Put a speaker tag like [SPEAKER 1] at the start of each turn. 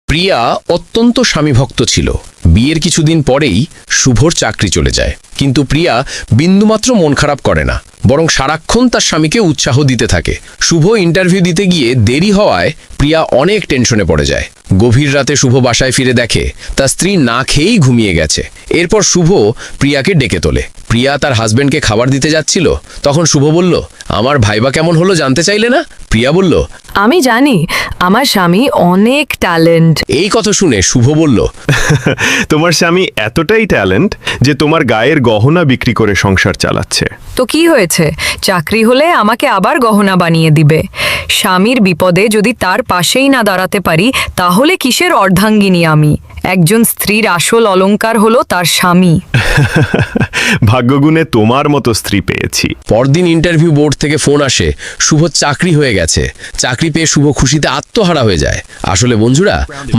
[SPEAKER 1] প্রিয়া অত্যন্ত স্বামীভক্ত ছিল। বিয়ের কিছুদিন পরেই শুভর চাকরি চলে যায়, কিন্তু প্রিয়া বিন্দুমাত্র মন খারাপ করে না, বরং সারাক্ষণ তার স্বামীকে উৎসাহ দিতে থাকে। শুভ ইন্টারভিউ দিতে গিয়ে দেরি হওয়ায় প্রিয়া অনেক টেনশনে পড়ে যায়। গভীর রাতে শুভ বাসায় ফিরে দেখে তার স্ত্রী না খেয়েই ঘুমিয়ে গেছে। এরপর শুভ প্রিয়াকে ডেকে তোলে। প্রিয়া তার হাজবেন্ডকে খাবার দিতে যাচ্ছিল, তখন শুভ বলল, আমার ভাইবা কেমন হলো জানতে চাইলে না? প্রিয়া বলল,
[SPEAKER 2] আমি জানি আমার স্বামী অনেক ট্যালেন্ট।
[SPEAKER 1] এই কথা শুনে শুভ বলল,
[SPEAKER 3] তোমার স্বামী এতটাই ট্যালেন্ট যে তোমার গায়ের গহনা বিক্রি করে সংসার চালাচ্ছে।
[SPEAKER 2] তো কি হয়েছে, চাকরি হলে আমাকে আবার গহনা বানিয়ে দিবে। স্বামীর বিপদে যদি তার পাশেই না দাঁড়াতে পারি তাহলে কিসের অর্ধাঙ্গিনী আমি? একজন স্ত্রীর আসল অলংকার হলো তার স্বামী।
[SPEAKER 3] ভাগ্যগুণে তোমার মতো স্ত্রী পেয়েছি।
[SPEAKER 1] পরদিন ইন্টারভিউ বোর্ড থেকে ফোন আসে, শুভ চাকরি হয়ে গেছে। চাকরি পেয়ে শুভ খুশিতে আত্মহারা হয়ে যায়। আসলে বন্ধুরা,